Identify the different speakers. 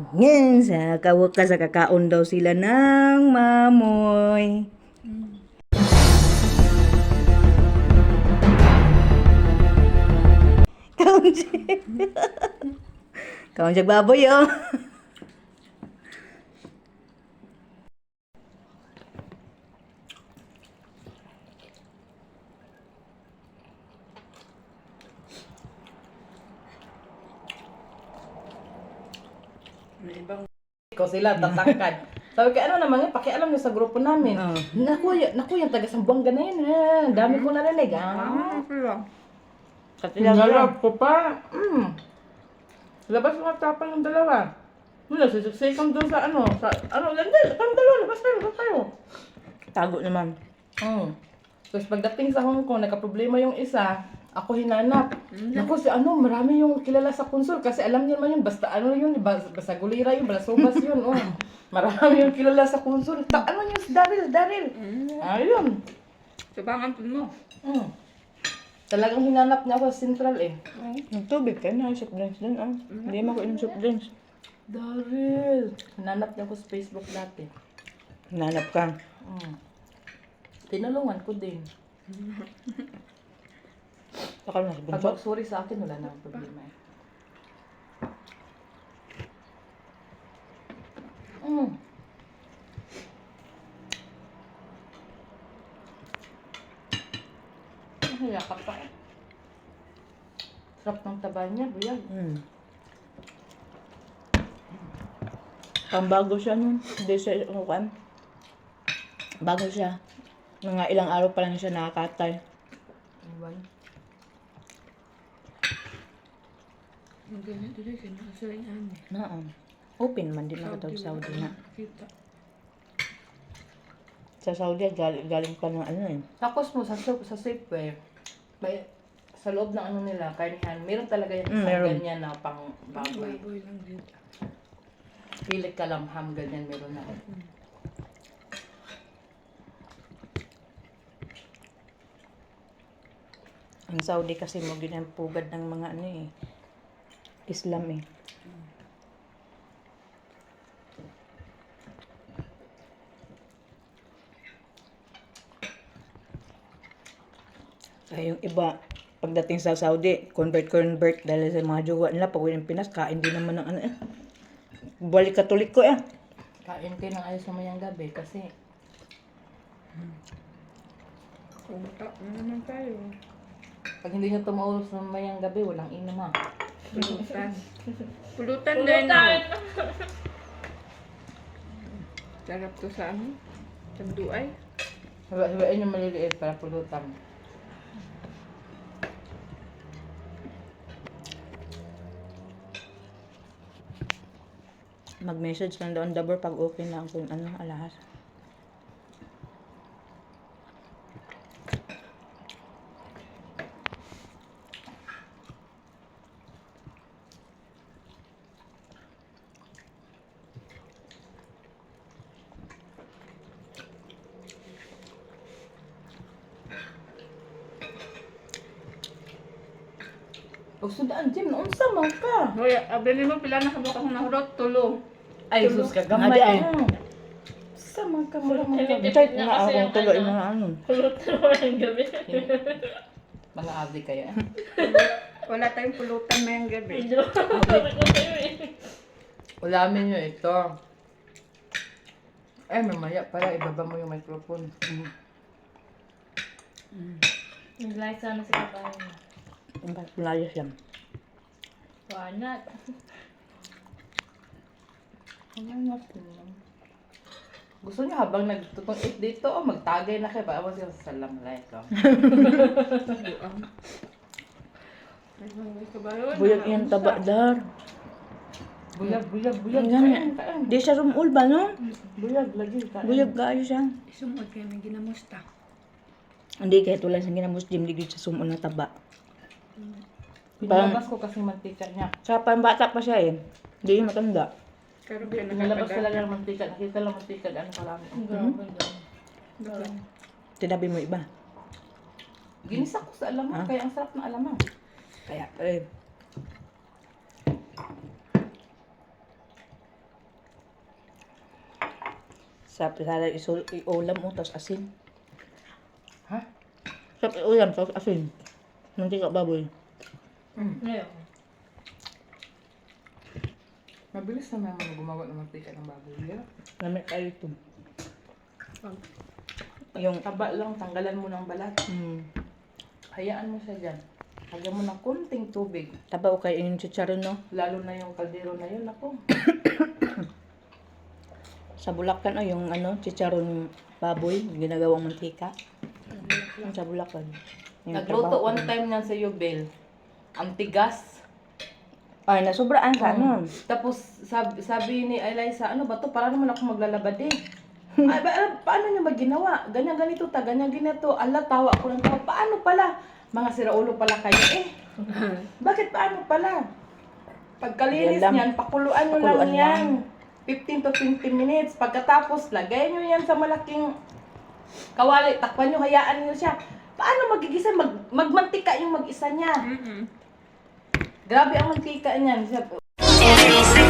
Speaker 1: Ngayon sa kawakas sa kakaon daw sila ng mamoy. Kaon siya. Kaon siya baboy oh.
Speaker 2: Ko sila tatangkad. Sabi ko, ano naman yan, pakialam niyo sa grupo namin.
Speaker 1: Oo.
Speaker 2: Naku, yung taga Sambuanga na yun. Dami ko narinig. Tingalap ko pa. Labas mga tapang yung dalawa. Mula, sisisikam doon sa landel, kami dalawa, labas tayo.
Speaker 1: Tago naman.
Speaker 2: Tapos pagdating sa Hong Kong, nagka-problema yung isa, ako hinanap. Naku, marami yung kilala sa konsul kasi alam niyo naman yun, basta gulira yun, balasubas yun. Marami yung kilala sa konsul. Ano yun, si Daryl. Ayun.
Speaker 3: Sabangan po mo.
Speaker 2: Talagang hinanap niya ako sa Central eh.
Speaker 1: Yung tubig kayo na, soft drinks dun ah. Hindi mo ko inom soft drinks.
Speaker 2: Daryl. Hinanap niya ako sa Facebook dati.
Speaker 1: Hinanap ka.
Speaker 2: Tinulungan ko din.
Speaker 1: Saka na sa
Speaker 2: Pag
Speaker 1: bunso.
Speaker 2: sorry sa akin, wala na problema eh. Yakap pa eh. Sarap ng taba niya, buyag.
Speaker 1: Pambago siya nun. Hindi siya, bago siya. Mga ilang araw pa lang siya nakakatay.
Speaker 2: Iwan.
Speaker 3: Ang ganyan dito, kinakasaling amin.
Speaker 1: Naam. Open man din nakatawag sa Saudi na.
Speaker 3: Kita.
Speaker 1: Sa Saudi, galing pa ng ano eh.
Speaker 2: Tapos mo, sa Safeway, sa loob ng ano nila, karnihan, meron talaga yung isang
Speaker 1: Meron.
Speaker 2: ganyan na pang baboy.
Speaker 3: Boy lang dito.
Speaker 2: Pilit ka lang, ham, ganyan meron na.
Speaker 1: Ang Saudi kasi mo ginapugad ng mga ano eh. Islam eh. Kaya yung iba, pagdating sa Saudi, convert dahil sa mga jowa nila, pag uwi ng Pinas, kain din naman ng ano eh. Balik Katoliko eh.
Speaker 2: Kain kayo ng ayos naman yung gabi kasi
Speaker 3: Kumata na naman tayo.
Speaker 2: pag hindi nyo tumaulos ng mayang gabi, walang inom ha.
Speaker 3: Pulutan. Pulutan din. Pulutan! Sarap to sa ano? Tanduay.
Speaker 2: Hawain yung maliliit para pulutan.
Speaker 1: Mag-message lang doon Dabor pag okay na kung ano, alahas.
Speaker 2: Pag sundaan, Jim, naunsa man ka?
Speaker 3: Hoy, abili mo pila na kabuk akong nahurot, tulo.
Speaker 2: Ay, sus ka gamay.
Speaker 1: Adi, ay.
Speaker 2: Sa man ka, mura man ka.
Speaker 1: Kahit nga akong tuloy mga ano.
Speaker 3: Pulutan mo ang gabi.
Speaker 2: Mga abdi kayo.
Speaker 3: Wala tayong pulutan mayang gabi.
Speaker 2: Ulamin nyo ito. Ay, mamaya pala, ibaba mo yung microphone.
Speaker 4: Nag-like sana si kabayan.
Speaker 1: Yung palayas yan.
Speaker 4: Wanat.
Speaker 2: Gusto niyo habang nagtutong eat dito, magtagay na kayo. Paano siya sa salam like ko.
Speaker 1: Buyag yung taba dar.
Speaker 2: Buyag.
Speaker 1: Yan.
Speaker 2: Kain.
Speaker 1: Di siya rumul ba no?
Speaker 2: Buyag, lagi. Kain.
Speaker 1: Buyag kaayo siya.
Speaker 3: Sumod kayo may ginamusta.
Speaker 1: Hindi kahit wala sa ginamoslim, di siya sumul na taba.
Speaker 2: Pinalabas ko kasi mantika niya.
Speaker 1: Sa pambata pa siya eh. Hindi yung matanda.
Speaker 3: Pero kaya
Speaker 2: Pinalabas
Speaker 3: nakatagal.
Speaker 2: talaga ng mantika. Nakita lang mantika. Ano ka lang.
Speaker 4: Grabe daw.
Speaker 1: Tinabi mo iba.
Speaker 2: Ginisa ko sa alamang. Kaya ang sarap ng alamang.
Speaker 1: Kaya eh. Sarap sana iulam mo, tapos asin.
Speaker 2: Ha?
Speaker 1: Sarap iulam, tapos asin. Mantika baboy.
Speaker 4: Ngayon.
Speaker 2: Mabilis na naman gumawa ng mantika ng baboy. Yeah?
Speaker 1: Namit tayo ito. Yung,
Speaker 2: Taba lang, tanggalan mo ng balat. Hayaan mo siya dyan. Lagyan mo ng kunting tubig.
Speaker 1: taba o kayo yung chicharon, no?
Speaker 2: Lalo na yung kaldero na yun. Ako.
Speaker 1: Sa Bulacan, yung ano, chicharon baboy, ginagawang mantika. Yung sa Bulacan. Yung
Speaker 2: Nagluto
Speaker 1: trabaho
Speaker 2: one
Speaker 1: ko.
Speaker 2: time niyan sa Yubel. Ang tigas.
Speaker 1: Ay, nasobraan ka, no?
Speaker 2: Tapos sabi ni Eliza, ano ba to? Para naman ako maglalabad eh. Ay, paano niya ba ginawa? Ganyan ganito ta, ganyan ganito. Ala, tawa ako ng tawa. Paano pala? Mga siraulo pala kayo eh. Bakit paano pala? Pagkalinis
Speaker 1: Yan lang.
Speaker 2: niyan, pakuluan nyo
Speaker 1: Pakuluan
Speaker 2: lang yan. 15 to 20 minutes. Pagkatapos, lagay nyo yan sa malaking kawali. Takpan nyo, hayaan nyo siya. Paano magigisa? Magmantika yung mag-isa niya. Grabe ang mantika niyan.